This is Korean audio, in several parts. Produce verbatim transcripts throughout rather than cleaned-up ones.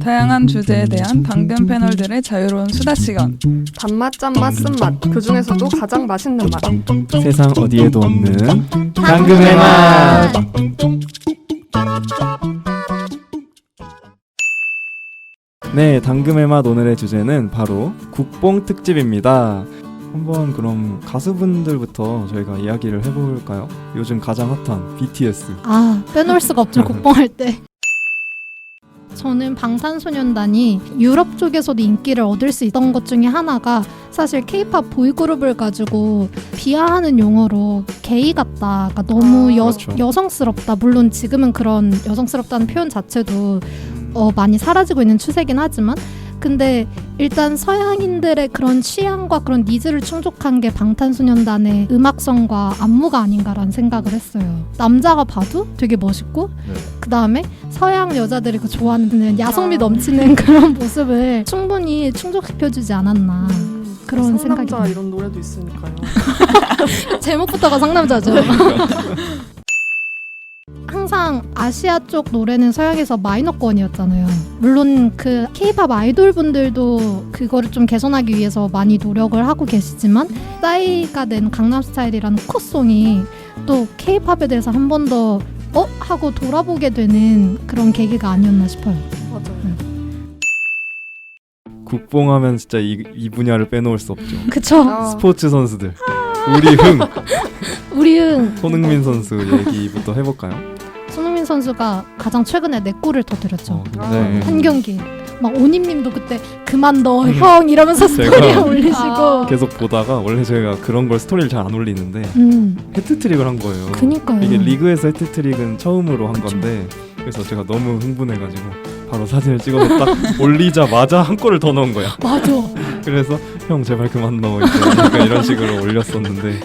다양한 주제에 대한 당근 패널들의 자유로운 수다 시간. 단맛, 짠맛, 쓴맛, 그 중에서도 가장 맛있는 맛. 세상 어디에도 없는 당근의 맛. 네, 당금의 맛 오늘의 주제는 바로 국뽕 특집입니다. 한번 그럼 가수분들부터 저희가 이야기를 해볼까요? 요즘 가장 핫한 비티에스. 아, 빼놓을 수가 없죠. 국뽕할 때. 저는 방탄소년단이 유럽 쪽에서도 인기를 얻을 수 있던 것 중에 하나가 사실 케이팝 보이그룹을 가지고 비하하는 용어로 게이 같다, 그러니까 너무 아, 여, 그렇죠. 여성스럽다. 물론 지금은 그런 여성스럽다는 표현 자체도 어, 많이 사라지고 있는 추세긴 하지만, 근데 일단 서양인들의 그런 취향과 그런 니즈를 충족한 게 방탄소년단의 음악성과 안무가 아닌가라는 생각을 했어요. 남자가 봐도 되게 멋있고, 네. 그 다음에 서양 여자들이 그 좋아하는 야성미 아. 넘치는 그런 모습을 충분히 충족시켜주지 않았나. 음, 그런 상남자 생각이 이런 노래도 있으니까요. 제목부터가 상남자죠. 항상 아시아 쪽 노래는 서양에서 마이너권이었잖아요. 물론 그 케이팝 아이돌 분들도 그거를 좀 개선하기 위해서 많이 노력을 하고 계시지만, 싸이가 낸 강남스타일이라는 코송이 또 케이팝에 대해서 한 번 더 어? 하고 돌아보게 되는 그런 계기가 아니었나 싶어요. 맞아요. 국뽕하면 진짜 이, 이 분야를 빼놓을 수 없죠. 그쵸? 아, 스포츠 선수들. 우리 흥 우리은 손흥민 선수 얘기부터 해볼까요? 손흥민 선수가 가장 최근에 네 골을 터뜨렸죠. 어, 아. 네. 한 경기. 막 오님님도 그때 그만 넣어 형 이러면서 제가 스토리에 올리시고. 아. 계속 보다가 원래 저희가 그런 걸 스토리를 잘 안 올리는데 음, 해트트릭을 한 거예요. 그니까요. 이게 리그에서 해트트릭은 처음으로 한 그쵸. 건데, 그래서 제가 너무 흥분해가지고 바로 사진을 찍어서 딱 올리자마자 한 골을 더 넣은 거야. 맞아. 그래서 형 제발 그만 넣어 이제 약간 이런 식으로 올렸었는데,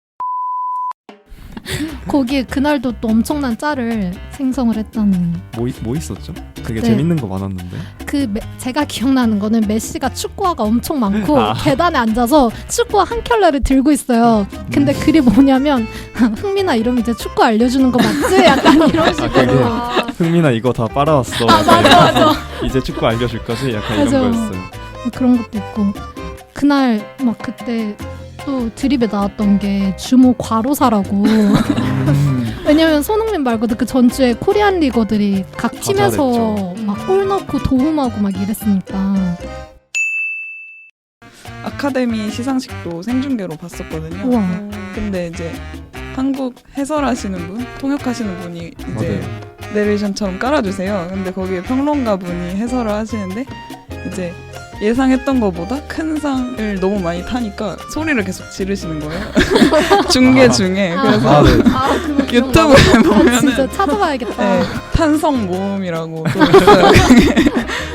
거기에 그날도 또 엄청난 짤을 생성을 했다는. 뭐, 있- 뭐 있었죠? 그게 네. 재밌는 거 많았는데. 그 메, 제가 기억나는 거는 메시가 축구화가 엄청 많고 아. 계단에 앉아서 축구화 한 켤레를 들고 있어요. 근데 음. 글이 뭐냐면 흥민아 이러면 이제 축구 알려주는 거 맞지? 약간 이런 식으로. 그게 아, 흥민아 이거 다 빨아왔어. 아, 맞아, 맞아. 이제 축구 알려줄 거지? 약간 맞아. 이런 거였어요. 그런 것도 있고, 그날 막 그때 또 드립에 나왔던 게 주모 과로사라고. 음. 왜냐면 손흥민 말고도 그 전주에 코리안 리거들이 각 다 팀에서 잘했죠. 막 골 넣고 도움하고 막 이랬으니까. 아카데미 시상식도 생중계로 봤었거든요. 우와. 음, 근데 이제 한국 해설하시는 분, 통역하시는 분이 이제 맞아요. 내레이션처럼 깔아주세요. 근데 거기에 평론가 분이 해설을 하시는데 이제 예상했던 것보다 큰 상을 너무 많이 타니까 소리를 계속 지르시는 거예요. 중계 아. 중에. 아. 그래서 아, 네. 아, 그거 유튜브에 아, 보면은 진짜 찾아봐야겠다. 네, 탄성 모음이라고 또 있어요.